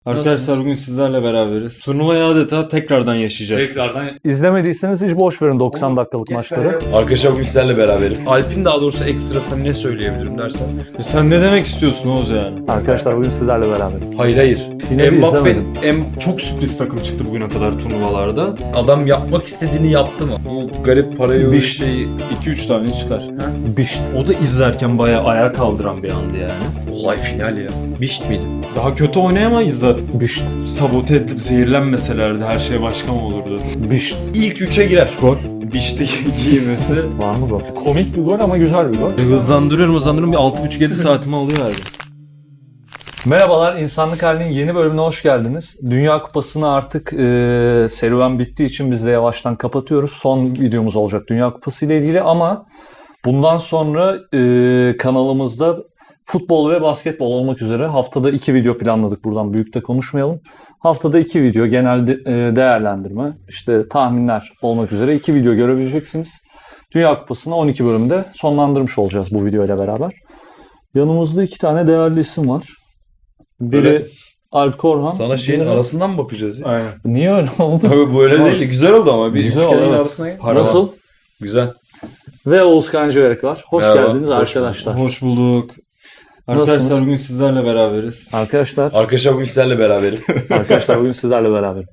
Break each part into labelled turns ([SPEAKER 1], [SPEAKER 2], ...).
[SPEAKER 1] Arkadaşlar bugün sizlerle beraberiz. Turnuvayı adeta tekrardan yaşayacaksınız.
[SPEAKER 2] İzlemediyseniz hiç boş verin 90 dakikalık maçları.
[SPEAKER 3] Arkadaşlar bugün sizlerle beraberim. Alp'in daha doğrusu ekstrasını ne söyleyebilirim dersen.
[SPEAKER 1] Sen ne demek istiyorsun Oğuz yani?
[SPEAKER 2] Arkadaşlar bugün sizlerle beraber.
[SPEAKER 3] Hayır.
[SPEAKER 2] Yine de izlemedim.
[SPEAKER 1] Çok sürpriz takım çıktı bugüne kadar turnuvalarda.
[SPEAKER 3] Adam yapmak istediğini yaptı mı? Bu garip parayı
[SPEAKER 2] Biş.
[SPEAKER 3] şeyi
[SPEAKER 1] 2-3 tane çıkar.
[SPEAKER 2] Bişt.
[SPEAKER 1] O da izlerken bayağı ayağa kaldıran bir andı yani.
[SPEAKER 3] olay final ya. Bişt miydi?
[SPEAKER 1] Daha kötü oynayamayız zaten.
[SPEAKER 2] Bişt.
[SPEAKER 1] Sabote edilip zehirlenmeselerdi her şey başka mı olurdu?
[SPEAKER 2] Bişt.
[SPEAKER 3] İlk 3'e girer.
[SPEAKER 2] Gol.
[SPEAKER 1] Bişti giymesi.
[SPEAKER 2] Var mı gol? Komik bir gol ama güzel bir gol.
[SPEAKER 1] Hızlandırıyorum bir 6,5-7 saatimi alıyor herhalde.
[SPEAKER 2] Merhabalar, İnsanlık Hali'nin yeni bölümüne hoş geldiniz. Dünya Kupası'nı artık serüven bittiği için biz de yavaştan kapatıyoruz. Son videomuz olacak Dünya Kupası ile ilgili ama bundan sonra kanalımızda futbol ve basketbol olmak üzere haftada 2 video planladık. Buradan büyük de konuşmayalım. Haftada 2 video genel değerlendirme, işte tahminler olmak üzere 2 video görebileceksiniz. Dünya Kupası'nı 12 bölümde sonlandırmış olacağız bu video ile beraber. Yanımızda 2 tane değerli isim var. Biri
[SPEAKER 3] Böyle
[SPEAKER 2] Alp Korhan.
[SPEAKER 3] Sana şeyin
[SPEAKER 2] biri-
[SPEAKER 3] arasından mı bakacağız ya?
[SPEAKER 1] Aynen.
[SPEAKER 2] Niye öyle oldu?
[SPEAKER 3] Tabii böyle değil. Güzel oldu ama. Bir
[SPEAKER 2] Güzel
[SPEAKER 3] üçgenin
[SPEAKER 2] oldu, evet.
[SPEAKER 3] arasına gel.
[SPEAKER 2] Nasıl?
[SPEAKER 3] Güzel.
[SPEAKER 2] Ve Oğuz Kancıverek var. Hoş
[SPEAKER 3] Merhaba,
[SPEAKER 2] geldiniz
[SPEAKER 3] hoş
[SPEAKER 2] arkadaşlar.
[SPEAKER 1] Hoş bulduk. Arkadaşlar
[SPEAKER 2] Nasılsınız?
[SPEAKER 1] bugün sizlerle beraberiz.
[SPEAKER 3] Arkadaşlar bugün sizlerle beraberim.
[SPEAKER 2] Arkadaşlar bugün sizlerle beraber.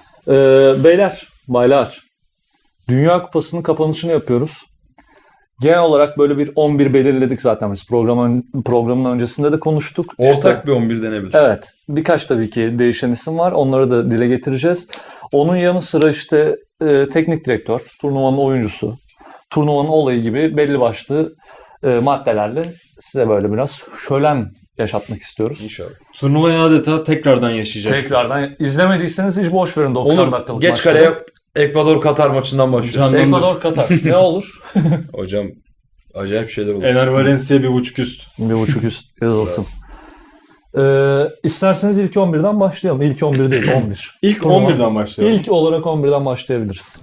[SPEAKER 2] Baylar. Dünya Kupası'nın kapanışını yapıyoruz. Genel olarak böyle bir 11 belirledik zaten biz. Programın öncesinde de konuştuk.
[SPEAKER 3] Ortak bir 11 denebilir.
[SPEAKER 2] Evet. Birkaç tabii ki değişen isim var. Onları da dile getireceğiz. Onun yanı sıra işte teknik direktör, turnuvanın oyuncusu, turnuvanın olayı gibi belli başlı maddelerle size böyle biraz şölen yaşatmak istiyoruz.
[SPEAKER 3] İnşallah.
[SPEAKER 1] Turnuvayı adeta tekrardan yaşayacaksınız.
[SPEAKER 2] Tekrardan izlemediyseniz hiç boş verin 90
[SPEAKER 3] Olur.
[SPEAKER 2] dakikalık
[SPEAKER 3] Geç
[SPEAKER 2] maçları.
[SPEAKER 3] kaleye Ekvador-Katar maçından başlıyoruz.
[SPEAKER 1] Canım.
[SPEAKER 2] Ekvador Katar. Ne olur?
[SPEAKER 3] Hocam acayip şeyler oldu.
[SPEAKER 1] Ener Valencia 1,5 üst.
[SPEAKER 2] 1.5 üst yazılsın. İsterseniz ilk 11'den başlayalım. İlk 11 değil 11.
[SPEAKER 1] İlk
[SPEAKER 2] Turnuva.
[SPEAKER 1] 11'den başlayalım.
[SPEAKER 2] İlk olarak 11'den başlayabiliriz.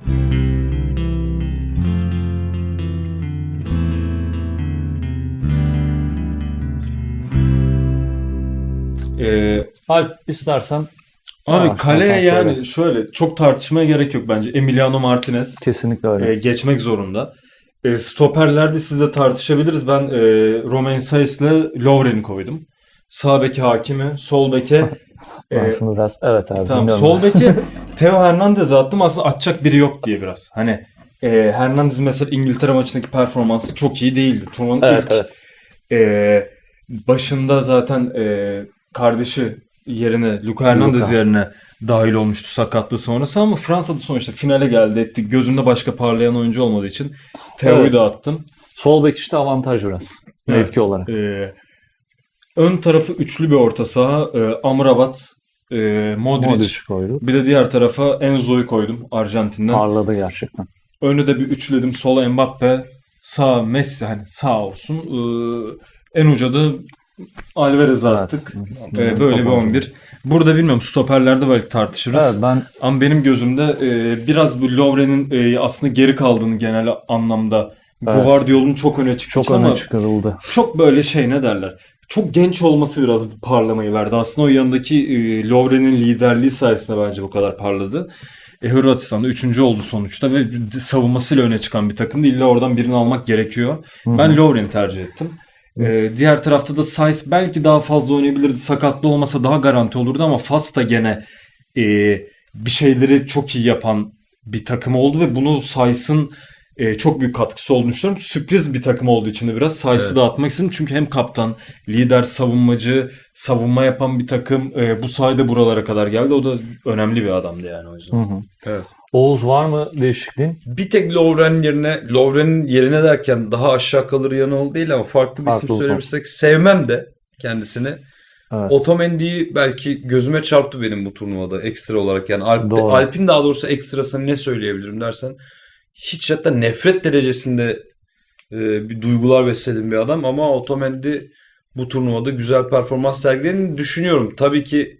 [SPEAKER 2] Alp istersen
[SPEAKER 1] Abi
[SPEAKER 2] Ha,
[SPEAKER 1] kaleye
[SPEAKER 2] sen
[SPEAKER 1] yani
[SPEAKER 2] söyle.
[SPEAKER 1] şöyle çok tartışmaya gerek yok bence. Emiliano Martinez
[SPEAKER 2] kesinlikle öyle.
[SPEAKER 1] geçmek zorunda. Stoperlerde sizle tartışabiliriz. Ben Romain Saiz'le Lovren'i koydum. Sağ beke Hakimi, sol beke
[SPEAKER 2] Ben şunu biraz evet abi
[SPEAKER 1] tamam
[SPEAKER 2] dinliyorum
[SPEAKER 1] sol
[SPEAKER 2] ben.
[SPEAKER 1] beke Theo Hernandez'e attım. Aslında atacak biri yok diye biraz. Hani Hernandez mesela İngiltere maçındaki performansı çok iyi değildi. Turnuvanın
[SPEAKER 2] Evet
[SPEAKER 1] ilk
[SPEAKER 2] evet.
[SPEAKER 1] başında zaten kardeşi yerine Luka Hernandez
[SPEAKER 2] Luka.
[SPEAKER 1] yerine dahil olmuştu sakatlığı sonrası ama Fransa'da sonuçta finale geldi etti. Gözümde başka parlayan oyuncu olmadığı için Theo'yu
[SPEAKER 2] Evet.
[SPEAKER 1] da attım.
[SPEAKER 2] Sol bek işte avantaj biraz.
[SPEAKER 1] Evet.
[SPEAKER 2] Mevki olarak.
[SPEAKER 1] Ön tarafı üçlü bir orta saha. Amrabat, Modric.
[SPEAKER 2] Modric koydu.
[SPEAKER 1] Bir de diğer tarafa Enzo'yu koydum Arjantin'den.
[SPEAKER 2] Parladı gerçekten.
[SPEAKER 1] Önü de bir üçledim. Sola Mbappe, sağ Messi hani sağ olsun. En uca da Alvarez'e attık. Böyle
[SPEAKER 2] Top
[SPEAKER 1] bir 11. Burada bilmiyorum stoperlerde belki tartışırız.
[SPEAKER 2] Evet ben
[SPEAKER 1] Ama benim gözümde biraz bu Lovren'in aslında geri kaldığını genel anlamda
[SPEAKER 2] Evet.
[SPEAKER 1] Guardiola'nın çok öne çıkmış
[SPEAKER 2] çok
[SPEAKER 1] ama
[SPEAKER 2] öne çıkarıldı.
[SPEAKER 1] çok böyle şey ne derler. Çok genç olması biraz bu parlamayı verdi. Aslında o yanındaki Lovren'in liderliği sayesinde bence bu kadar parladı. Hırvatistan'da 3. oldu sonuçta ve savunmasıyla öne çıkan bir takımdı. İlla oradan birini almak gerekiyor. Ben Lovren'i tercih ettim. Diğer tarafta da Saiz belki daha fazla oynayabilirdi. Sakatlı olmasa daha garanti olurdu ama Fas da gene bir şeyleri çok iyi yapan bir takım oldu ve bunu Saiz'in çok büyük katkısı olduğunu düşünüyorum. Sürpriz bir takım olduğu için de biraz Saiz'i
[SPEAKER 3] Evet.
[SPEAKER 1] dağıtmak istedim. Çünkü hem kaptan, lider, savunmacı, savunma yapan bir takım bu sayede buralara kadar geldi. O da önemli bir adamdı yani o yüzden.
[SPEAKER 3] Evet.
[SPEAKER 2] Oğuz var mı değişikliğin?
[SPEAKER 3] Bir tek Lovren'in yerine derken daha aşağı kalır yanı oldu değil ama farklı bir isim
[SPEAKER 2] Farklı oldu.
[SPEAKER 3] söylemişsek sevmem de kendisini.
[SPEAKER 2] Evet.
[SPEAKER 3] Otamendi'yi belki gözüme çarptı benim bu turnuvada ekstra olarak yani
[SPEAKER 2] Doğru.
[SPEAKER 3] Alp'in daha doğrusu ekstrasını ne söyleyebilirim dersen hiç hatta nefret derecesinde bir duygular beslediğim bir adam ama Otamendi bu turnuvada güzel performans sergilediğini düşünüyorum. Tabii ki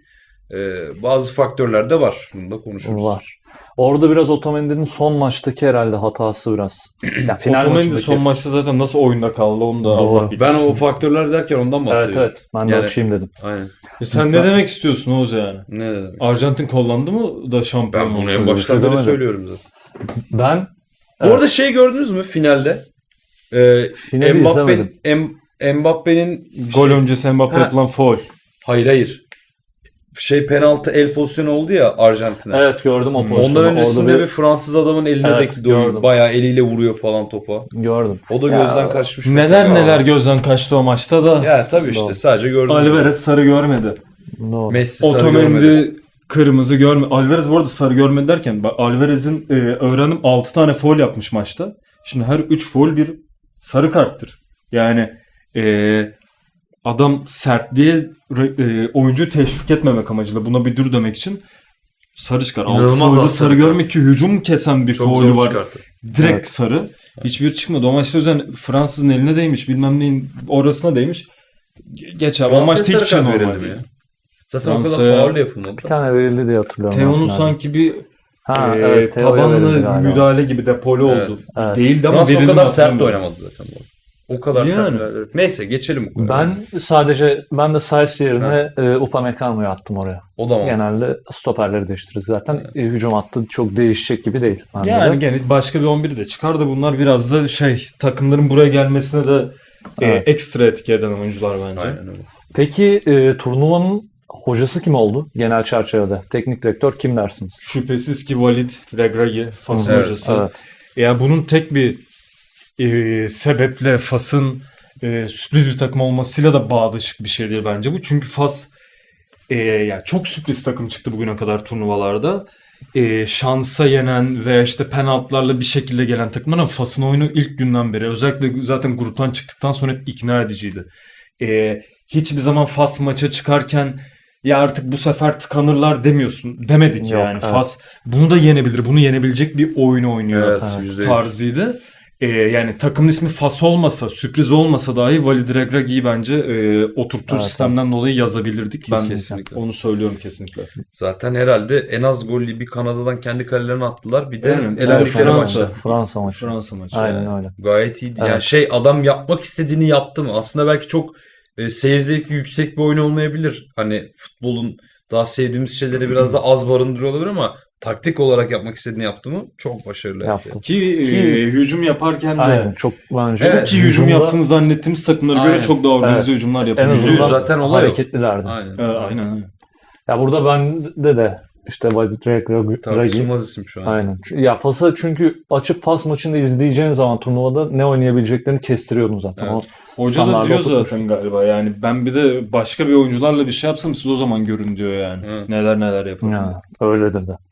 [SPEAKER 3] Bazı faktörler de var. Bunu da konuşuruz.
[SPEAKER 2] Var. Orada biraz Otamendi'nin son maçtaki herhalde hatası biraz. Ya final
[SPEAKER 1] Otamendi
[SPEAKER 2] maçındaki.
[SPEAKER 1] son maçta zaten nasıl oyunda kaldı onu da
[SPEAKER 2] Doğru.
[SPEAKER 1] Allah bilir.
[SPEAKER 3] Ben o faktörler derken ondan
[SPEAKER 2] Evet
[SPEAKER 3] bahsediyorum.
[SPEAKER 2] evet. Ben de
[SPEAKER 3] Yani-
[SPEAKER 2] açayım dedim.
[SPEAKER 3] Aynen.
[SPEAKER 1] Sen ne demek istiyorsun Oğuz yani?
[SPEAKER 3] Ne demek?
[SPEAKER 1] Arjantin kollandı mı da şampiyon
[SPEAKER 3] Ben bunu
[SPEAKER 1] oldu?
[SPEAKER 3] en
[SPEAKER 2] öyle bir
[SPEAKER 3] baştan
[SPEAKER 2] şey
[SPEAKER 3] beri
[SPEAKER 2] demedim.
[SPEAKER 3] söylüyorum zaten.
[SPEAKER 2] Ben
[SPEAKER 3] Bu arada şey gördünüz mü finalde?
[SPEAKER 2] finali izlemedim.
[SPEAKER 3] Mbappe'nin
[SPEAKER 1] Gol öncesi Mbappe
[SPEAKER 3] Ha.
[SPEAKER 1] yapılan faul.
[SPEAKER 3] hayır. Penaltı el pozisyonu oldu ya Arjantin'e.
[SPEAKER 2] Evet gördüm o pozisyonu.
[SPEAKER 3] Ondan öncesinde
[SPEAKER 2] Orada
[SPEAKER 3] bir Fransız adamın eline
[SPEAKER 2] Evet,
[SPEAKER 3] de
[SPEAKER 2] gördüm.
[SPEAKER 3] bayağı eliyle vuruyor falan topa.
[SPEAKER 2] gördüm.
[SPEAKER 3] O da
[SPEAKER 2] Ya,
[SPEAKER 3] gözden kaçmış.
[SPEAKER 1] Neler
[SPEAKER 3] mesela.
[SPEAKER 1] neler gözden kaçtı o maçta da.
[SPEAKER 3] Ya tabii işte
[SPEAKER 2] Doğru.
[SPEAKER 3] sadece gördüm.
[SPEAKER 1] Alvarez sarı görmedi.
[SPEAKER 2] Doğru.
[SPEAKER 3] Messi sarı görmedi.
[SPEAKER 1] Otamendi kırmızı görmedi. Alvarez bu arada sarı görmedi derken bak Alvarez'in öğrenim 6 tane faul yapmış maçta. Şimdi her 3 faul bir sarı karttır. Yani adam sertliğe oyuncu teşvik etmemek amacıyla buna bir dur demek için sarı çıkar. 6
[SPEAKER 3] İnanılmaz
[SPEAKER 1] faulda
[SPEAKER 3] az
[SPEAKER 1] sarı
[SPEAKER 3] sarı
[SPEAKER 1] görmek ki hücum kesen bir
[SPEAKER 3] Çok
[SPEAKER 1] faulü
[SPEAKER 3] zor
[SPEAKER 1] var.
[SPEAKER 3] çıkarttı.
[SPEAKER 1] Direkt
[SPEAKER 2] Evet.
[SPEAKER 1] sarı. Hiçbir çıkmadı. O maçta o yüzden Fransız'ın eline değmiş. Bilmem neyin orasına değmiş. Geç abi. O
[SPEAKER 3] Fransa'ya
[SPEAKER 1] maçta hiçbir
[SPEAKER 3] sarı
[SPEAKER 1] şey
[SPEAKER 3] kart
[SPEAKER 1] normal
[SPEAKER 3] verildi mi
[SPEAKER 1] değil.
[SPEAKER 3] ya? Zaten o
[SPEAKER 1] Fransa'ya-
[SPEAKER 3] kadar faul yapılmadı.
[SPEAKER 2] Bir tane verildi diye hatırlıyorum.
[SPEAKER 1] Teo'nun
[SPEAKER 2] ben finalde.
[SPEAKER 1] sanki bir
[SPEAKER 2] evet, Teo'ya verildi
[SPEAKER 1] tabanlı
[SPEAKER 2] galiba.
[SPEAKER 1] müdahale gibi depolu
[SPEAKER 3] Evet.
[SPEAKER 1] oldu.
[SPEAKER 2] Evet.
[SPEAKER 1] Değildi ama
[SPEAKER 3] Fransa o
[SPEAKER 1] verildi
[SPEAKER 3] kadar
[SPEAKER 1] mi
[SPEAKER 3] sert de
[SPEAKER 1] hatırlamıyorum.
[SPEAKER 3] oynamadı zaten. O kadar sert.
[SPEAKER 1] Yani.
[SPEAKER 3] müdahale- Neyse geçelim bu konuya.
[SPEAKER 2] Ben de Sainz yerine Upamecano'yu attım oraya.
[SPEAKER 3] O da mantıklı.
[SPEAKER 2] Genelde stoperleri değiştiririz zaten. Hücum hattı çok değişecek gibi değil. bende
[SPEAKER 1] Yani
[SPEAKER 2] de.
[SPEAKER 1] gene başka bir 11'i de çıkar da bunlar biraz da takımların buraya gelmesine de
[SPEAKER 2] Evet.
[SPEAKER 1] ekstra etki eden oyuncular bence.
[SPEAKER 3] Aynen öyle.
[SPEAKER 2] Peki turnuvanın hocası kim oldu? Genel çerçevede. Teknik direktör kim dersiniz?
[SPEAKER 1] Şüphesiz ki Walid Regragui Fas'ın
[SPEAKER 3] Evet,
[SPEAKER 1] hocası.
[SPEAKER 2] Evet.
[SPEAKER 1] Yani bunun tek bir sebeple Fas'ın sürpriz bir takım olmasıyla da bağdaşık bir şey değil bence bu. Çünkü Fas yani çok sürpriz takım çıktı bugüne kadar turnuvalarda. Şansa yenen ve işte penaltılarla bir şekilde gelen takımlar ama Fas'ın oyunu ilk günden beri özellikle zaten gruptan çıktıktan sonra hep ikna ediciydi. Hiçbir zaman Fas maça çıkarken ya artık bu sefer tıkanırlar demedik
[SPEAKER 2] Yok,
[SPEAKER 1] yani.
[SPEAKER 2] evet.
[SPEAKER 1] Fas bunu da yenebilir. Bunu yenebilecek bir oyun oynuyor
[SPEAKER 3] Evet,
[SPEAKER 2] Evet.
[SPEAKER 3] %100.
[SPEAKER 1] tarzıydı. Yani takımın ismi Fas olmasa, sürpriz olmasa dahi Walid Regragui'yi bence oturttuğu
[SPEAKER 2] Evet,
[SPEAKER 1] sistemden dolayı yazabilirdik. Ben
[SPEAKER 3] Kesinlikle.
[SPEAKER 1] onu söylüyorum kesinlikle.
[SPEAKER 3] Zaten herhalde en az gollü bir Kanada'dan kendi kalelerine attılar. Bir de
[SPEAKER 1] Aynen.
[SPEAKER 3] elendikleri
[SPEAKER 1] Fransa.
[SPEAKER 3] maçta.
[SPEAKER 2] Fransa maçı.
[SPEAKER 1] Fransa maçı.
[SPEAKER 2] Aynen öyle.
[SPEAKER 3] Gayet iyiydi.
[SPEAKER 2] Evet.
[SPEAKER 3] Yani adam yapmak istediğini yaptı mı? Aslında belki çok seyir zevki yüksek bir oyun olmayabilir. Hani futbolun daha sevdiğimiz şeyleri biraz da az barındırıyor olabilir ama taktik olarak yapmak istediğini yaptı mı? Çok başarılı.
[SPEAKER 2] Yaptı.
[SPEAKER 1] Ki hücum yaparken de
[SPEAKER 2] Aynen. Çok bence.
[SPEAKER 3] Evet.
[SPEAKER 1] çok iyi hücum
[SPEAKER 2] hücumda
[SPEAKER 1] yaptığını zannettiğimiz takımlara göre
[SPEAKER 3] Aynen.
[SPEAKER 1] çok daha organize
[SPEAKER 2] Evet.
[SPEAKER 1] hücumlar
[SPEAKER 2] en
[SPEAKER 1] yapıyor.
[SPEAKER 3] %100
[SPEAKER 2] azından
[SPEAKER 3] zaten olay o.
[SPEAKER 2] hareketlilerdi.
[SPEAKER 3] Aynen.
[SPEAKER 1] Aynen.
[SPEAKER 2] Ya burada bende de işte Walid Regragui.
[SPEAKER 3] Tartışılmaz isim şu an.
[SPEAKER 2] Aynen. Ya Fas'a çünkü açıp Fas maçını izleyeceğin zaman turnuvada ne oynayabileceklerini kestiriyordun zaten.
[SPEAKER 3] Evet.
[SPEAKER 2] O
[SPEAKER 1] Hoca da
[SPEAKER 2] standarda
[SPEAKER 1] diyor
[SPEAKER 2] oturtmuştu.
[SPEAKER 1] zaten galiba yani ben bir de başka bir oyuncularla bir şey yapsam siz o zaman görün diyor yani.
[SPEAKER 3] Evet.
[SPEAKER 1] Neler yapın.
[SPEAKER 2] Ya, öyledir de.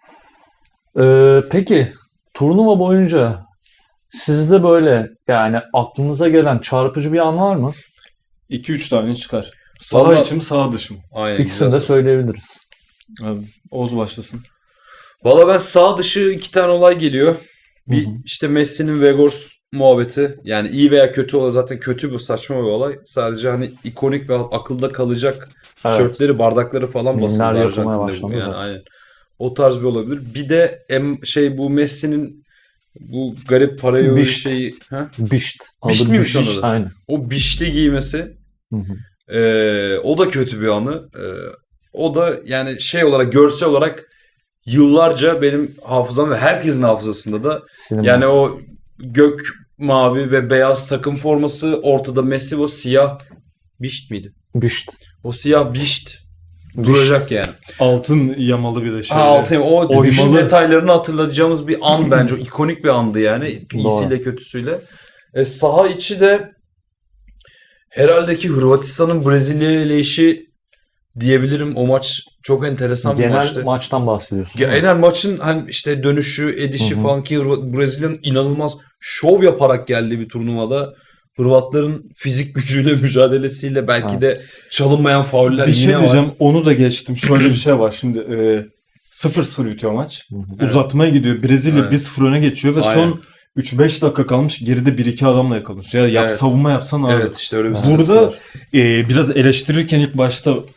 [SPEAKER 2] Peki turnuva boyunca sizde böyle yani aklınıza gelen çarpıcı bir an var mı?
[SPEAKER 1] 2-3 tane çıkar. Sağ
[SPEAKER 3] Vallahi-
[SPEAKER 1] içi mi sağ dışı mı?
[SPEAKER 3] Aynen.
[SPEAKER 2] İkisini
[SPEAKER 3] güzel
[SPEAKER 2] de
[SPEAKER 3] soru.
[SPEAKER 2] söyleyebiliriz.
[SPEAKER 1] Abi, Oğuz başlasın.
[SPEAKER 3] Valla ben sağ dışı 2 tane olay geliyor. Bir
[SPEAKER 2] Hı hı.
[SPEAKER 3] işte Messi'nin Weghorst muhabbeti. Yani iyi veya kötü olay zaten kötü bu saçma bir olay. Sadece hani ikonik ve akılda kalacak
[SPEAKER 2] Evet.
[SPEAKER 3] tişörtleri, bardakları falan basıldı
[SPEAKER 2] Mimler yapılmaya
[SPEAKER 3] Arjantin'de bu.
[SPEAKER 2] başlandı
[SPEAKER 3] Yani
[SPEAKER 2] da.
[SPEAKER 3] aynen. O tarz bir olabilir. Bir de bu Messi'nin bu garip parayı
[SPEAKER 2] Bişt.
[SPEAKER 3] şeyi. Ha?
[SPEAKER 2] Bişt.
[SPEAKER 3] Bişt
[SPEAKER 2] Adı
[SPEAKER 3] miymiş
[SPEAKER 2] Bişt.
[SPEAKER 3] onun adı?
[SPEAKER 2] Aynen.
[SPEAKER 3] O bişli giymesi.
[SPEAKER 2] Hı hı.
[SPEAKER 3] O da kötü bir anı. O da yani şey olarak görsel olarak yıllarca benim hafızam ve herkesin hafızasında da
[SPEAKER 2] Sinema.
[SPEAKER 3] yani o gök mavi ve beyaz takım forması ortada Messi o siyah bişt miydi?
[SPEAKER 2] Bişt.
[SPEAKER 3] O siyah bişt duracak yani.
[SPEAKER 1] Altın yamalı bir de şey.
[SPEAKER 3] O bişin
[SPEAKER 1] oymalı.
[SPEAKER 3] detaylarını hatırlayacağımız bir an bence. O ikonik bir andı yani. İyisiyle kötüsüyle. Saha içi de herhalde ki Hırvatistan'ın Brezilya ile işi diyebilirim. O maç çok enteresan bir
[SPEAKER 2] Genel
[SPEAKER 3] maçtı.
[SPEAKER 2] maçtan bahsediyorsun. değil mi?
[SPEAKER 3] Genel maçın hani işte dönüşü, edişi
[SPEAKER 2] Hı hı.
[SPEAKER 3] falan ki Brezilya'nın inanılmaz şov yaparak geldiği bir turnuvada Hırvatların fizik gücüyle mücadelesiyle belki
[SPEAKER 2] Evet.
[SPEAKER 3] de çalınmayan fauller
[SPEAKER 1] Bir
[SPEAKER 3] yine
[SPEAKER 1] şey
[SPEAKER 3] var.
[SPEAKER 1] diyeceğim onu da geçtim. Şöyle bir şey var şimdi 0-0 bitiyor maç.
[SPEAKER 2] Hı hı.
[SPEAKER 3] Evet.
[SPEAKER 1] Uzatmaya gidiyor. Brezilya
[SPEAKER 3] Evet.
[SPEAKER 1] 1-0 öne geçiyor ve
[SPEAKER 3] Aynen.
[SPEAKER 1] son 3-5 dakika kalmış. Geride 1-2 adamla yakalıyorsun. Ya
[SPEAKER 3] Evet.
[SPEAKER 1] savunma yapsan abi.
[SPEAKER 3] Evet işte öyle bir
[SPEAKER 1] Burada
[SPEAKER 3] sıkıntısı var.
[SPEAKER 1] biraz eleştirirken ilk başta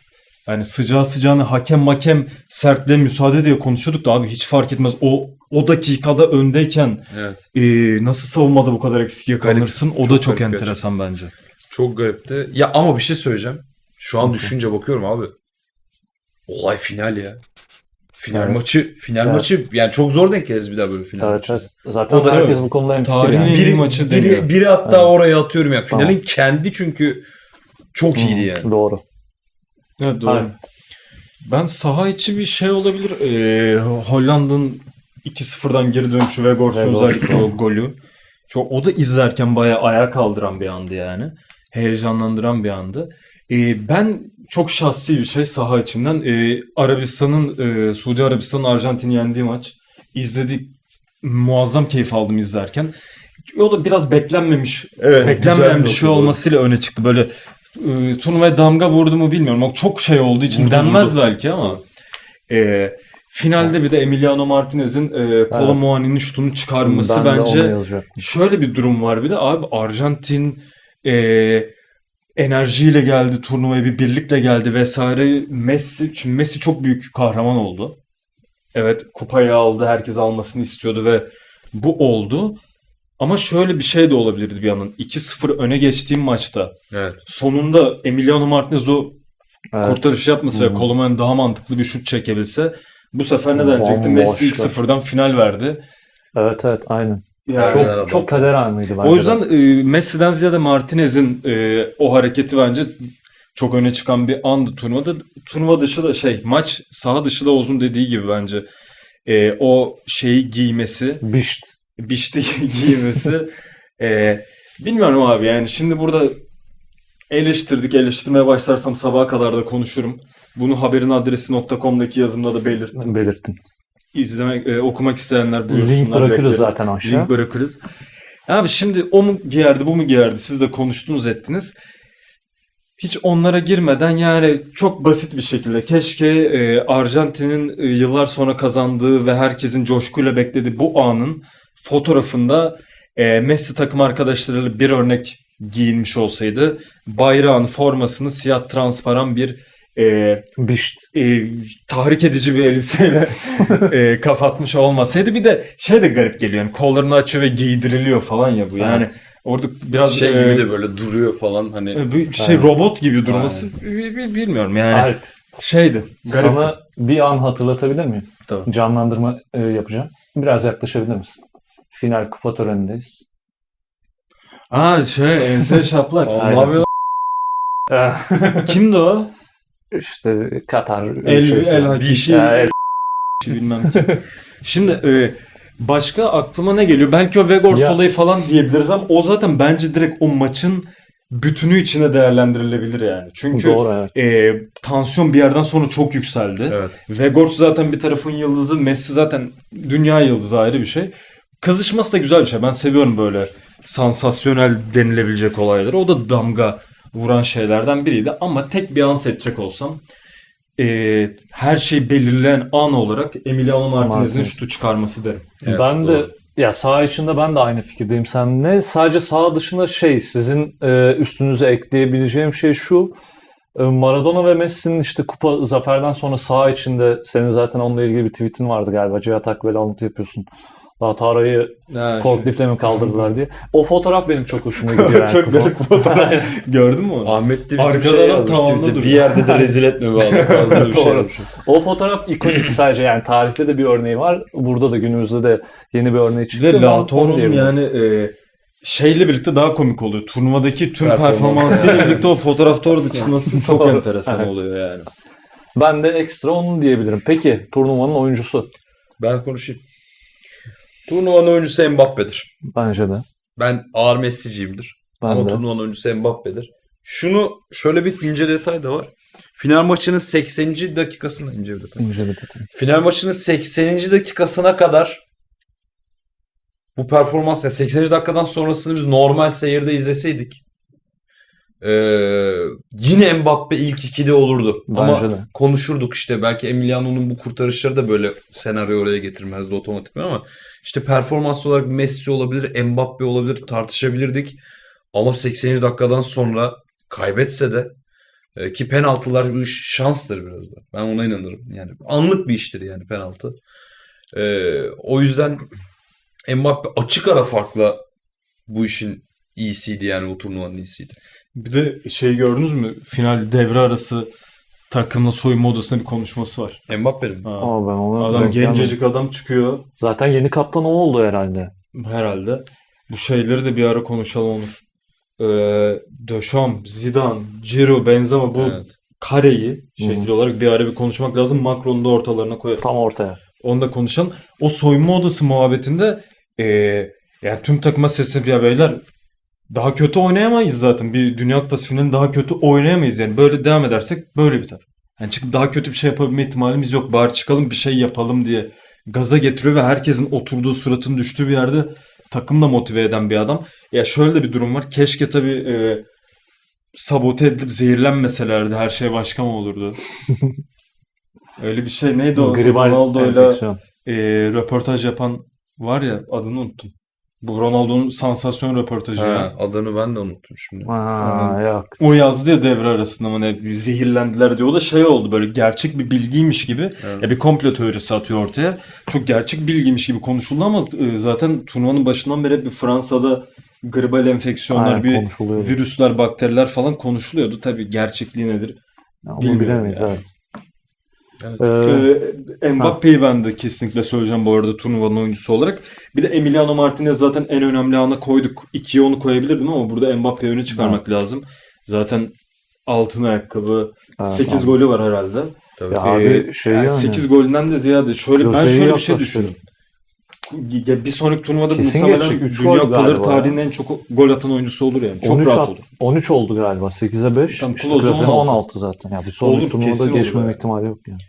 [SPEAKER 1] Yani sıcağı sıcağına hakem sertliğe müsaade diye konuşuyorduk da abi hiç fark etmez. O dakikada öndeyken
[SPEAKER 3] Evet.
[SPEAKER 1] nasıl savunmada bu kadar eksik yakalanırsın? O da
[SPEAKER 3] Çok
[SPEAKER 1] çok
[SPEAKER 3] garip
[SPEAKER 1] enteresan bence.
[SPEAKER 3] Çok garipti. Ya ama bir şey söyleyeceğim. Şu an düşünce bakıyorum abi. Olay final ya. Final maçı yani çok zor denk geliriz bir daha böyle final
[SPEAKER 2] Evet,
[SPEAKER 3] maçı.
[SPEAKER 2] evet. Zaten
[SPEAKER 1] O da
[SPEAKER 2] herkes
[SPEAKER 1] evet.
[SPEAKER 2] bu konuda hemfikir
[SPEAKER 1] Tarihin
[SPEAKER 2] yani.
[SPEAKER 1] en iyi maçı deniyor.
[SPEAKER 3] Biri hatta
[SPEAKER 2] Evet.
[SPEAKER 3] oraya atıyorum ya. Finalin
[SPEAKER 2] Tamam.
[SPEAKER 3] kendi çünkü çok iyiydi yani.
[SPEAKER 2] Doğru.
[SPEAKER 1] Evet doğru.
[SPEAKER 2] Aynen.
[SPEAKER 1] Ben saha içi bir şey olabilir. Hollanda'nın 2-0'dan geri dönüşü ve Weghorst'un özellikle o golü. O da izlerken bayağı ayağa kaldıran bir andı yani. Heyecanlandıran bir andı. Ben çok şahsi bir şey saha içinden. Suudi Arabistan'ın Arjantin'i yendiği maç. İzledik. Muazzam keyif aldım izlerken. O da biraz beklenmemiş.
[SPEAKER 3] Evet,
[SPEAKER 1] Beklenmeyen bir
[SPEAKER 3] güzel
[SPEAKER 1] şey
[SPEAKER 3] nokta,
[SPEAKER 1] olmasıyla öne çıktı. Böyle turnuvaya damga vurdu mu bilmiyorum. O çok şey olduğu için
[SPEAKER 3] Vurdu,
[SPEAKER 1] denmez
[SPEAKER 3] vurdu.
[SPEAKER 1] belki ama finalde bir de Emiliano Martinez'in Kolo
[SPEAKER 2] Evet.
[SPEAKER 1] Muani'nin şutunu çıkarması
[SPEAKER 2] Ben de onu
[SPEAKER 1] bence
[SPEAKER 2] yazacaktım.
[SPEAKER 1] şöyle bir durum var bir de abi Arjantin enerjiyle geldi turnuvaya bir birlikle geldi vesaire. Çünkü Messi çok büyük kahraman oldu. Evet kupayı aldı herkes almasını istiyordu ve bu oldu. Ama şöyle bir şey de olabilirdi bir yandan. 2-0 öne geçtiğim maçta
[SPEAKER 3] Evet.
[SPEAKER 1] sonunda Emiliano Martinez o
[SPEAKER 2] Evet.
[SPEAKER 1] kurtarışı yapmasa ve
[SPEAKER 2] Hı hı.
[SPEAKER 1] Koloman daha mantıklı bir şut çekebilse bu sefer ne denecekti?
[SPEAKER 2] Bomboş
[SPEAKER 1] Messi ilk
[SPEAKER 2] ya.
[SPEAKER 1] sıfırdan final verdi.
[SPEAKER 2] Evet, evet, aynen.
[SPEAKER 1] Yani
[SPEAKER 3] Çok- adam.
[SPEAKER 2] Çok kader anıydı bence
[SPEAKER 1] o
[SPEAKER 2] de.
[SPEAKER 1] yüzden Messi'den ziyade Martinez'in o hareketi bence çok öne çıkan bir andı turnuvada. Turnuva dışı da maç saha dışı da Oğuz'un dediği gibi bence o şeyi giymesi,
[SPEAKER 2] Bişt.
[SPEAKER 1] bişti giymesi bilmiyorum abi yani şimdi burada eleştirmeye başlarsam sabaha kadar da konuşurum. Bunu haberinadresi.com'daki yazımda da belirttim.
[SPEAKER 2] Belirttin.
[SPEAKER 1] Okumak isteyenler buyursunlar.
[SPEAKER 2] Link bırakırız
[SPEAKER 1] bekleriz.
[SPEAKER 2] zaten aşağı.
[SPEAKER 1] Link bırakırız. Abi şimdi o mu giyerdi bu mu giyerdi siz de konuştunuz ettiniz. Hiç onlara girmeden yani çok basit bir şekilde keşke Arjantin'in yıllar sonra kazandığı ve herkesin coşkuyla beklediği bu anın fotoğrafında Messi takım arkadaşlarıyla bir örnek giyinmiş olsaydı bayrağın formasını siyah transparan bir
[SPEAKER 2] Bişt.
[SPEAKER 1] tahrik edici bir elbiseyle kapatmış olmasaydı bir de de garip geliyor yani kollarını açıyor ve giydiriliyor falan ya bu yani
[SPEAKER 2] Evet.
[SPEAKER 1] orada biraz
[SPEAKER 3] Şey gibi de böyle duruyor falan hani.
[SPEAKER 1] bir
[SPEAKER 2] Evet.
[SPEAKER 1] robot gibi durması bilmiyorum yani
[SPEAKER 2] Alp,
[SPEAKER 1] garipti.
[SPEAKER 2] sana bir an hatırlatabilir miyim?
[SPEAKER 1] Tabii.
[SPEAKER 2] Canlandırma yapacağım. Biraz yaklaşabilir misin? Final kupa törenindeyiz.
[SPEAKER 1] Ense şaplak.
[SPEAKER 3] Aa,
[SPEAKER 2] Aynen.
[SPEAKER 3] ne yapıyor?
[SPEAKER 1] Kimdi o?
[SPEAKER 2] İşte Katar
[SPEAKER 1] El Hakiki.
[SPEAKER 3] bir şey-
[SPEAKER 2] Ya,
[SPEAKER 1] Bilmem ki. Şimdi başka aklıma ne geliyor? Belki o Weghorst
[SPEAKER 2] Ya-
[SPEAKER 1] olayı falan diyebiliriz ama o zaten bence direkt o maçın bütünü içine değerlendirilebilir yani. Çünkü
[SPEAKER 2] Doğru, evet.
[SPEAKER 1] tansiyon bir yerden sonra çok yükseldi.
[SPEAKER 3] Evet.
[SPEAKER 1] Weghorst zaten bir tarafın yıldızı, Messi zaten dünya yıldızı ayrı bir şey. Kızışması da güzel bir şey. Ben seviyorum böyle sansasyonel denilebilecek olayları. O da damga vuran şeylerden biriydi. Ama tek bir an seçecek olsam her şey belirleyen an olarak Emiliano Martinez'in
[SPEAKER 2] Martinez.
[SPEAKER 1] şutu çıkarması derim.
[SPEAKER 3] Evet,
[SPEAKER 2] Ben de
[SPEAKER 3] doğru.
[SPEAKER 2] ya saha içinde ben de aynı fikirdeyim seninle. Sadece saha dışında sizin üstünüze ekleyebileceğim şey şu. Maradona ve Messi'nin işte kupa zaferden sonra saha içinde senin zaten onunla ilgili bir tweetin vardı galiba. Cihat Akbel'e alıntı yapıyorsun. Daha Tara'yı forkliftle mi kaldırdılar diye. O fotoğraf benim çok hoşuma gidiyor. Yani.
[SPEAKER 1] Çok garip fotoğraf. Gördün mü onu?
[SPEAKER 3] Ahmet de bizim
[SPEAKER 1] Arkada
[SPEAKER 3] şey
[SPEAKER 1] adam
[SPEAKER 3] yazmış
[SPEAKER 1] tavanda
[SPEAKER 3] Twitter'da.
[SPEAKER 1] duruyor.
[SPEAKER 3] Bir yerde de rezil etme bu adam tarzında bir şey
[SPEAKER 2] Doğru.
[SPEAKER 3] yazmış.
[SPEAKER 2] O fotoğraf ikonik sadece yani tarihte de bir örneği var. Burada da günümüzde de yeni bir örneği
[SPEAKER 1] Bir
[SPEAKER 2] çıktı.
[SPEAKER 1] de
[SPEAKER 2] Onu
[SPEAKER 1] Lautoro'nun
[SPEAKER 2] diyebilirim.
[SPEAKER 1] yani şeyle birlikte daha komik oluyor. Turnuvadaki tüm
[SPEAKER 3] Performansı.
[SPEAKER 1] performansıyla birlikte o fotoğrafta orada çıkması çok
[SPEAKER 2] Doğru.
[SPEAKER 1] enteresan
[SPEAKER 2] Evet.
[SPEAKER 1] oluyor yani.
[SPEAKER 2] Ben de ekstra onu diyebilirim. Peki turnuvanın oyuncusu?
[SPEAKER 3] Ben konuşayım. Turnuvanın oyuncusu Mbappe'dir.
[SPEAKER 2] Bence de.
[SPEAKER 3] Ben ağır Messi'ciyimdir.
[SPEAKER 2] Ben
[SPEAKER 3] Ama
[SPEAKER 2] de.
[SPEAKER 3] turnuvanın oyuncusu Mbappe'dir. Şöyle bir ince detay da var. Final maçının 80. dakikasında ince bir detay.
[SPEAKER 2] İnce bir detay.
[SPEAKER 3] Final maçının 80. dakikasına kadar bu performans yani 80. dakikadan sonrasını biz normal seyirde izleseydik yine Mbappe ilk 2'de olurdu.
[SPEAKER 2] Bence
[SPEAKER 3] Ama
[SPEAKER 2] de.
[SPEAKER 3] konuşurduk işte belki Emiliano'nun bu kurtarışları da böyle senaryo oraya getirmezdi otomatikman ama işte performans olarak Messi olabilir, Mbappe olabilir tartışabilirdik. Ama 80. dakikadan sonra kaybetse de Ki penaltılar bu iş şanstır biraz da. Ben ona inanırım. Yani anlık bir iştir yani penaltı. O yüzden Mbappe açık ara farkla bu işin iyisiydi yani o turnuvanın iyisiydi.
[SPEAKER 1] Bir de şey gördünüz mü? Final devre arası takımla soyunma odasında bir konuşması var.
[SPEAKER 3] Mbappe'nin.
[SPEAKER 1] Ha.
[SPEAKER 2] Ama ben onu
[SPEAKER 1] Adam
[SPEAKER 2] denk gelmedim.
[SPEAKER 1] gencecik adam çıkıyor
[SPEAKER 2] Zaten yeni kaptan o oldu herhalde.
[SPEAKER 1] herhalde. Bu şeyleri de bir ara konuşalım Onur. Deschamps, Zidane, Ciro, Benzema bu
[SPEAKER 3] Evet.
[SPEAKER 1] kareyi şekil olarak bir ara bir konuşmak lazım. Macron'u da ortalarına koyarız.
[SPEAKER 2] Tam ortaya.
[SPEAKER 1] Onu da konuşalım. O soyunma odası muhabbetinde yani tüm takıma seslenip ya beyler daha kötü oynayamayız zaten. Bir Dünya Kupası finalinde daha kötü oynayamayız yani. Böyle devam edersek böyle biter. Yani çıkıp daha kötü bir şey yapabilme ihtimalimiz yok. Bari çıkalım bir şey yapalım diye gaza getiriyor ve herkesin oturduğu suratın düştüğü bir yerde takım da motive eden bir adam. Ya şöyle de bir durum var. Keşke tabii sabote edilip zehirlenmeselerdi her şey başka mı olurdu? Öyle bir şey neydi o?
[SPEAKER 2] Gribal
[SPEAKER 1] Ronaldo'yla
[SPEAKER 2] enfeksiyon.
[SPEAKER 1] röportaj yapan var ya adını unuttum. Bu Ronaldo'nun sansasyon röportajı ya.
[SPEAKER 3] Ha, adını ben de unuttum şimdi.
[SPEAKER 2] Aa, yok.
[SPEAKER 1] O yazdı ya devre arasında mı ne bir zehirlendiler diyor. O da şey oldu böyle gerçek bir bilgiymiş gibi.
[SPEAKER 3] Evet.
[SPEAKER 1] Ya bir komplo teorisi atıyor ortaya. Çok gerçek bilgiymiş gibi konuşuldu ama zaten turnuvanın başından beri hep bir Fransa'da gribal enfeksiyonlar,
[SPEAKER 2] Aynen,
[SPEAKER 1] bir
[SPEAKER 2] konuşuluyordu.
[SPEAKER 1] virüsler, bakteriler falan konuşuluyordu. Tabii gerçekliği nedir?
[SPEAKER 2] Ya, onu
[SPEAKER 1] Bilmiyorum
[SPEAKER 2] bilemeyiz
[SPEAKER 1] ya.
[SPEAKER 2] evet.
[SPEAKER 3] Evet.
[SPEAKER 1] Mbappe'yi ben de kesinlikle söyleyeceğim bu arada turnuvanın oyuncusu olarak. Bir de Emiliano Martinez zaten en önemli ana koyduk. 2'ye onu koyabilirdim ama burada Mbappe'yi öne çıkarmak lazım. Zaten altın ayakkabı,
[SPEAKER 2] Evet,
[SPEAKER 1] 8
[SPEAKER 2] abi.
[SPEAKER 1] golü var herhalde.
[SPEAKER 3] Tabii.
[SPEAKER 2] Ya abi şey yani.
[SPEAKER 1] 8 golünden de ziyade şöyle ben
[SPEAKER 2] Klose'yi
[SPEAKER 1] şöyle bir şey
[SPEAKER 2] yaklaştırdı.
[SPEAKER 1] düşündüm. Ya bir sonraki turnuvada
[SPEAKER 2] Kesin
[SPEAKER 1] muhtemelen
[SPEAKER 2] geçecek, üç
[SPEAKER 1] Dünya
[SPEAKER 2] gol
[SPEAKER 1] Kupaları
[SPEAKER 2] galiba
[SPEAKER 1] tarihinin en çok gol atan oyuncusu olur yani. Çok
[SPEAKER 2] 13
[SPEAKER 1] rahat olur.
[SPEAKER 2] 13 oldu galiba. 8'e 5.
[SPEAKER 1] Tam
[SPEAKER 2] İşte
[SPEAKER 1] Klose
[SPEAKER 2] Klose'nin
[SPEAKER 1] 16.
[SPEAKER 2] 16 zaten. Ya bir sonraki
[SPEAKER 1] Olur,
[SPEAKER 2] turnuvada
[SPEAKER 1] kesin olur
[SPEAKER 2] geçmeme
[SPEAKER 1] yani.
[SPEAKER 2] ihtimali yok yani.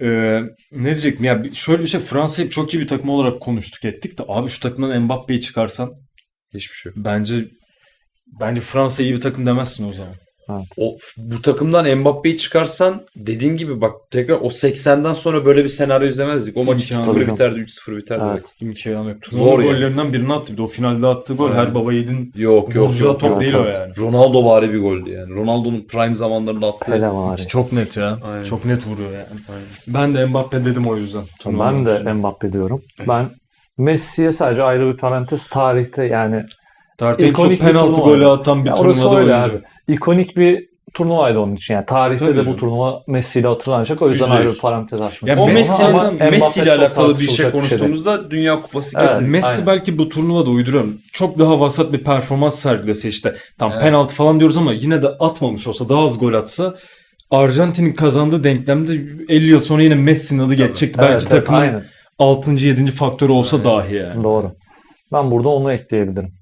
[SPEAKER 1] Ne diyecektim ya şöyle bir şey Fransa'yı çok iyi bir takım olarak konuştuk ettik de abi şu takımdan Mbappe'yi çıkarsan
[SPEAKER 3] Hiçbir şey yok.
[SPEAKER 1] bence Fransa iyi bir takım demezsin o zaman.
[SPEAKER 3] Bu takımdan Mbappe'yi çıkarsan dediğin gibi bak tekrar o 80'den sonra böyle bir senaryo izlemezdik. O maç
[SPEAKER 1] İmkanı
[SPEAKER 3] 2-0
[SPEAKER 2] yok.
[SPEAKER 3] biterdi, 3-0 biterdi.
[SPEAKER 2] Evet.
[SPEAKER 1] İmkanı yok.
[SPEAKER 3] Zor
[SPEAKER 1] Zor
[SPEAKER 3] yani.
[SPEAKER 1] gollerinden birini attı. Bir de o finalde attığı gol
[SPEAKER 3] Evet.
[SPEAKER 1] her baba yiğidin
[SPEAKER 3] Yok
[SPEAKER 1] vuracağı top
[SPEAKER 2] Evet,
[SPEAKER 1] değil
[SPEAKER 2] evet.
[SPEAKER 1] o yani.
[SPEAKER 3] Ronaldo vari bir goldü yani. Ronaldo'nun prime zamanlarında attığı.
[SPEAKER 2] Hele var.
[SPEAKER 1] Çok net ya.
[SPEAKER 3] Aynen.
[SPEAKER 1] Çok net vuruyor yani.
[SPEAKER 3] Aynen.
[SPEAKER 1] Ben de Mbappe dedim o yüzden.
[SPEAKER 2] Ben de Mbappe diyorum. Ben Messi'ye sadece ayrı bir parantez tarihte yani
[SPEAKER 1] Tarihte en çok
[SPEAKER 2] İkonik bir
[SPEAKER 1] penaltı
[SPEAKER 2] turnuva.
[SPEAKER 1] golü atan bir
[SPEAKER 2] ya orası
[SPEAKER 1] turnuvada
[SPEAKER 2] öyle
[SPEAKER 1] oyuncu.
[SPEAKER 2] abi. İkonik bir turnuvaydı onun için. Yani tarihte
[SPEAKER 1] Tabii
[SPEAKER 2] de
[SPEAKER 1] canım.
[SPEAKER 2] bu turnuva Messi ile hatırlanacak. O yüzden
[SPEAKER 1] %100.
[SPEAKER 2] ayrı bir parantez açmak
[SPEAKER 1] Ya
[SPEAKER 3] O
[SPEAKER 2] istiyorum.
[SPEAKER 3] Messi,
[SPEAKER 2] Ama
[SPEAKER 1] Messi'den-
[SPEAKER 3] Messi ile
[SPEAKER 2] Mbappe çok
[SPEAKER 3] alakalı bir şey
[SPEAKER 2] tartışılacak değil.
[SPEAKER 3] konuştuğumuzda Dünya Kupası
[SPEAKER 2] Evet.
[SPEAKER 3] kesin.
[SPEAKER 1] Messi
[SPEAKER 2] Aynen.
[SPEAKER 1] belki bu turnuvada uyduruyorum. Çok daha vasat bir performans sergilese işte. Tam
[SPEAKER 3] Evet.
[SPEAKER 1] penaltı falan diyoruz ama yine de atmamış olsa daha az gol atsa Arjantin'in kazandığı denklemde 50 yıl sonra yine Messi'nin adı geçecekti.
[SPEAKER 2] Evet,
[SPEAKER 1] Belki
[SPEAKER 2] evet,
[SPEAKER 1] takımın
[SPEAKER 2] aynen.
[SPEAKER 1] 6. 7. faktörü olsa
[SPEAKER 3] Aynen.
[SPEAKER 1] dahi yani.
[SPEAKER 2] Doğru. Ben burada onu ekleyebilirim.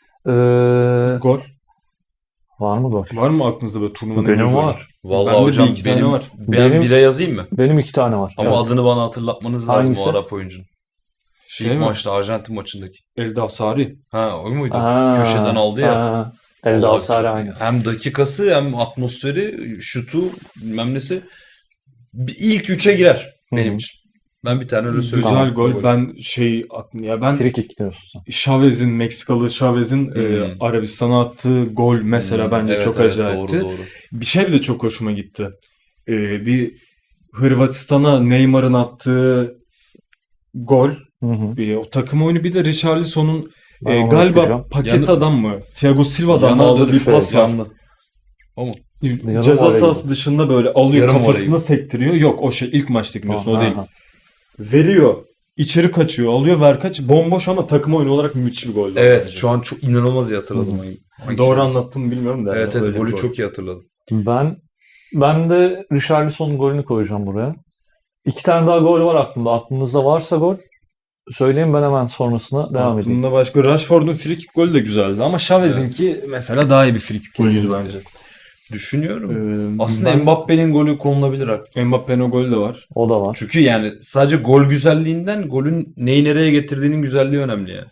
[SPEAKER 1] Gol.
[SPEAKER 2] Var mı gol?
[SPEAKER 1] Var mı aklınızda böyle turnuvanın en iyi
[SPEAKER 2] Benim
[SPEAKER 1] golü?
[SPEAKER 2] var.
[SPEAKER 3] Vallahi
[SPEAKER 1] Bende
[SPEAKER 3] hocam
[SPEAKER 1] bir iki tane
[SPEAKER 3] benim,
[SPEAKER 1] var.
[SPEAKER 3] ben
[SPEAKER 2] Benim-
[SPEAKER 3] bire yazayım mı?
[SPEAKER 2] Benim 2 tane var.
[SPEAKER 3] Ama
[SPEAKER 2] Yaz.
[SPEAKER 3] adını bana hatırlatmanız lazım
[SPEAKER 2] Hangisi?
[SPEAKER 3] o Arap oyuncunun.
[SPEAKER 1] Şey
[SPEAKER 3] İlk
[SPEAKER 1] mi?
[SPEAKER 3] maçta Arjantin maçındaki.
[SPEAKER 1] Eldaf Sari.
[SPEAKER 3] Ha o muydu?
[SPEAKER 2] Aa,
[SPEAKER 3] Köşeden aldı ya.
[SPEAKER 2] aa. Elde
[SPEAKER 3] Allah
[SPEAKER 2] Avsari
[SPEAKER 3] çok-
[SPEAKER 2] aynı.
[SPEAKER 3] Hem dakikası hem atmosferi, şutu bilmem nesi. İlk 3'e girer benim
[SPEAKER 2] Hı hı.
[SPEAKER 3] için. Ben bir tane öyle söyleyeyim.
[SPEAKER 1] Güzel
[SPEAKER 2] Tamam.
[SPEAKER 1] gol. Ben ben
[SPEAKER 2] Free kick diyorsun sen.
[SPEAKER 1] Chavez'in Meksikalı Chavez'in Arabistan'a attığı gol mesela bence
[SPEAKER 3] Evet,
[SPEAKER 1] çok
[SPEAKER 3] evet,
[SPEAKER 1] acayipti.
[SPEAKER 3] Doğru.
[SPEAKER 1] Bir şey de çok hoşuma gitti. Bir Hırvatistan'a Neymar'ın attığı gol.
[SPEAKER 2] Hı hı.
[SPEAKER 1] O takım oyunu bir de Richarlison'un
[SPEAKER 2] Ben onu
[SPEAKER 1] galiba
[SPEAKER 2] ekleyeceğim.
[SPEAKER 1] paket
[SPEAKER 3] Yanı-
[SPEAKER 1] adam mı? Thiago Silva'dan mı
[SPEAKER 3] Yanına
[SPEAKER 1] aldığı bir
[SPEAKER 3] şey,
[SPEAKER 1] pas var.
[SPEAKER 3] yanlı.
[SPEAKER 2] Yarım
[SPEAKER 1] Ceza
[SPEAKER 2] orayı.
[SPEAKER 1] sahası dışında böyle alıyor
[SPEAKER 3] Yarım
[SPEAKER 1] kafasına
[SPEAKER 3] orayı.
[SPEAKER 1] sektiriyor. Yok o şey ilk maçtaki diyorsun o
[SPEAKER 2] Aha,
[SPEAKER 1] değil.
[SPEAKER 2] aha.
[SPEAKER 1] Veriyor. İçeri kaçıyor. Alıyor ver kaç. Bomboş ama takım oyunu olarak müthiş bir gol.
[SPEAKER 3] Evet
[SPEAKER 1] bence.
[SPEAKER 3] şu an çok inanılmaz iyi hatırladım. Hangi
[SPEAKER 1] Doğru
[SPEAKER 3] şey?
[SPEAKER 1] anlattım mı bilmiyorum da.
[SPEAKER 3] Evet
[SPEAKER 1] öyle bir
[SPEAKER 3] golü
[SPEAKER 1] gol.
[SPEAKER 3] çok iyi hatırladım.
[SPEAKER 2] Ben de Richarlison'un golünü koyacağım buraya. 2 tane daha gol var aklımda. Aklınızda varsa gol söyleyin ben hemen sonrasına devam edeyim.
[SPEAKER 1] Aklımda başka Rashford'un frikik golü de güzeldi ama Chavez'inki mesela daha iyi bir frikik golüydü bence.
[SPEAKER 3] Düşünüyorum. Aslında Mbappe'nin golü konulabilir hakikaten.
[SPEAKER 1] Mbappe'nin o golü de var.
[SPEAKER 2] O da var.
[SPEAKER 3] Çünkü yani sadece gol güzelliğinden golün neyi nereye getirdiğinin güzelliği önemli yani.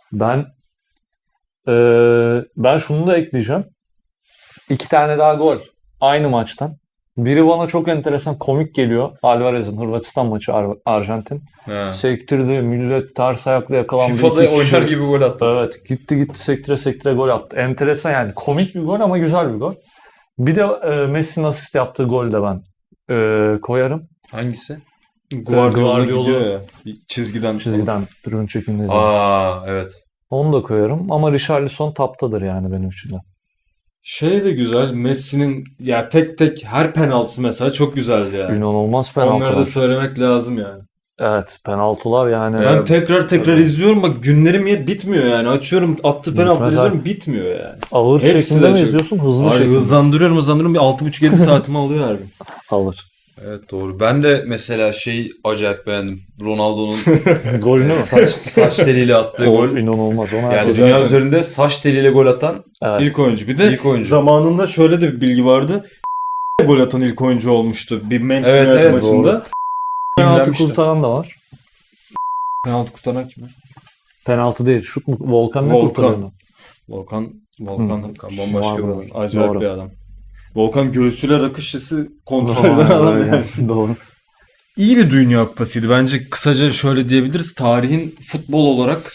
[SPEAKER 2] Ben şunu da ekleyeceğim. 2 tane daha gol aynı maçtan. Biri bana çok enteresan komik geliyor. Alvarez'in Hırvatistan maçı Arjantin.
[SPEAKER 3] Ha.
[SPEAKER 2] Sektirdi, millet ters ayakla yakalandı.
[SPEAKER 3] FIFA'da
[SPEAKER 2] 2 kişi.
[SPEAKER 3] oynar gibi gol attı.
[SPEAKER 2] Evet, gitti sektire sektire gol attı. Enteresan yani komik bir gol ama güzel bir gol. Bir de Messi'nin asist yaptığı golü de ben koyarım.
[SPEAKER 3] Hangisi?
[SPEAKER 1] Guardiola
[SPEAKER 2] Guardiola-
[SPEAKER 1] gidiyor ya. Çizgiden.
[SPEAKER 2] Çizgiden tribün çekimleri.
[SPEAKER 3] Aa evet.
[SPEAKER 2] Onu da koyarım ama Richarlison taptadır yani benim için de.
[SPEAKER 1] Şey de güzel. Messi'nin ya tek tek her penaltısı mesela çok güzeldi yani.
[SPEAKER 2] İnanılmaz
[SPEAKER 1] Onları da
[SPEAKER 2] penaltılar.
[SPEAKER 1] söylemek lazım yani.
[SPEAKER 2] Evet, penaltılar yani.
[SPEAKER 3] Evet.
[SPEAKER 1] Ben tekrar
[SPEAKER 3] tabii.
[SPEAKER 1] izliyorum, bak günlerim bitmiyor yani. Açıyorum, attı penaltı
[SPEAKER 2] Mesela-
[SPEAKER 1] izliyorum, bitmiyor yani.
[SPEAKER 2] Ağır
[SPEAKER 1] Hepsi
[SPEAKER 2] çekimde
[SPEAKER 1] de
[SPEAKER 2] mi
[SPEAKER 1] çok-
[SPEAKER 2] izliyorsun? Hızlı
[SPEAKER 1] Abi
[SPEAKER 2] çekimde.
[SPEAKER 1] hızlandırıyorum bir 6,5-7 saatimi alıyor her gün.
[SPEAKER 2] Alır.
[SPEAKER 3] Evet doğru. Ben de mesela acayip beğendim. Ronaldo'nun
[SPEAKER 2] Golünü mü?
[SPEAKER 3] saç teliyle attığı
[SPEAKER 2] O
[SPEAKER 3] gol.
[SPEAKER 2] inanılmaz. Ona
[SPEAKER 3] Yani
[SPEAKER 2] herkes-
[SPEAKER 3] dünya
[SPEAKER 1] zaten-
[SPEAKER 3] üzerinde saç teliyle gol atan
[SPEAKER 2] Evet.
[SPEAKER 1] İlk oyuncu. Bir de
[SPEAKER 3] ilk oyuncu.
[SPEAKER 1] zamanında şöyle de bir bilgi vardı. Gol atan ilk oyuncu olmuştu bir Manchester
[SPEAKER 3] Evet,
[SPEAKER 1] United
[SPEAKER 3] evet,
[SPEAKER 1] maçında.
[SPEAKER 2] Penaltı
[SPEAKER 3] Dinlenmişler.
[SPEAKER 2] kurtaran da var.
[SPEAKER 1] Penaltı kurtaran kim?
[SPEAKER 2] Penaltı değil. Şut mu? Volkan ne
[SPEAKER 1] Volkan.
[SPEAKER 2] kurtarıyor onu?
[SPEAKER 1] Volkan
[SPEAKER 3] Volkan bambaşka bir
[SPEAKER 2] Doğru.
[SPEAKER 3] adam.
[SPEAKER 1] acayip
[SPEAKER 2] Doğru.
[SPEAKER 1] bir adam. Volkan göğsüyle rakı şişesi kontrol
[SPEAKER 2] Vay
[SPEAKER 1] eden adam
[SPEAKER 2] be,
[SPEAKER 1] yani.
[SPEAKER 2] Doğru.
[SPEAKER 1] İyi bir Dünya Kupasıydı. Bence kısaca şöyle diyebiliriz. Tarihin futbol olarak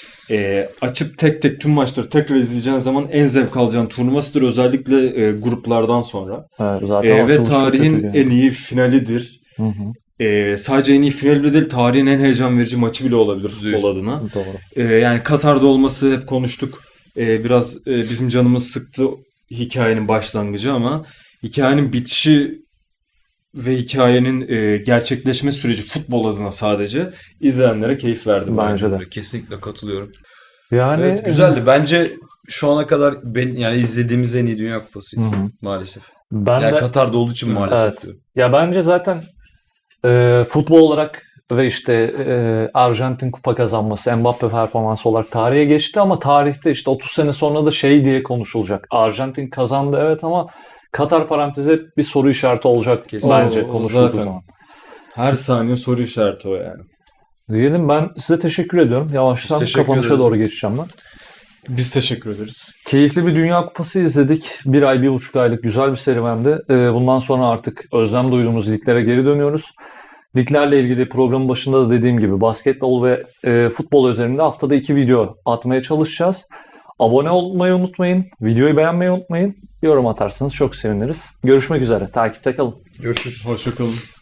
[SPEAKER 1] açıp tek tek tüm maçları tekrar izleyeceğin zaman en zevk alacağın turnuvasıdır. Özellikle gruplardan sonra.
[SPEAKER 2] Evet, zaten
[SPEAKER 1] Ve
[SPEAKER 2] açılış çok
[SPEAKER 1] tarihin
[SPEAKER 2] kötüydü yani.
[SPEAKER 1] en iyi finalidir.
[SPEAKER 2] Hı hı.
[SPEAKER 1] Sadece en iyi finali bile değil, tarihin en heyecan verici maçı bile olabilir futbol
[SPEAKER 3] %100.
[SPEAKER 1] adına.
[SPEAKER 2] Doğru.
[SPEAKER 1] Yani Katar'da olması hep konuştuk. Biraz bizim canımız sıktı hikayenin başlangıcı ama hikayenin bitişi ve hikayenin gerçekleşme süreci futbol adına sadece izleyenlere keyif verdi.
[SPEAKER 2] Bence de.
[SPEAKER 3] Kesinlikle katılıyorum.
[SPEAKER 2] Yani
[SPEAKER 3] Evet, güzeldi. Bence şu ana kadar yani izlediğimiz en iyi Dünya
[SPEAKER 2] Hı
[SPEAKER 3] Kupası'ydı
[SPEAKER 2] hı.
[SPEAKER 3] maalesef.
[SPEAKER 2] Ben
[SPEAKER 3] Yani
[SPEAKER 2] de
[SPEAKER 3] Katar'da olduğu için maalesef
[SPEAKER 2] Evet.
[SPEAKER 3] diyorum.
[SPEAKER 2] ya bence zaten futbol olarak ve işte Arjantin kupa kazanması, Mbappe performansı olarak tarihe geçti ama tarihte işte 30 sene sonra da şey diye konuşulacak. Arjantin kazandı evet ama Katar parantezi bir soru işareti olacak
[SPEAKER 3] Kesin.
[SPEAKER 2] bence
[SPEAKER 1] O
[SPEAKER 2] konuşulduğu
[SPEAKER 1] zaten.
[SPEAKER 2] zaman.
[SPEAKER 1] Her saniye soru işareti o yani.
[SPEAKER 2] Diyelim, ben size teşekkür ediyorum. Yavaştan
[SPEAKER 3] Biz teşekkür
[SPEAKER 2] kapanışa
[SPEAKER 3] ederiz.
[SPEAKER 2] doğru geçeceğim ben.
[SPEAKER 1] Biz teşekkür ederiz.
[SPEAKER 2] Keyifli bir Dünya Kupası izledik. 1 ay, 1,5 aylık güzel bir serüvendi. Bundan sonra artık özlem duyduğumuz liglere geri dönüyoruz. Liglerle ilgili programın başında da dediğim gibi basketbol ve futbol üzerinde haftada 2 video atmaya çalışacağız. Abone olmayı unutmayın. Videoyu beğenmeyi unutmayın. Yorum atarsanız çok seviniriz. Görüşmek üzere. Takipte kalın.
[SPEAKER 3] Görüşürüz.
[SPEAKER 1] Hoşça kalın.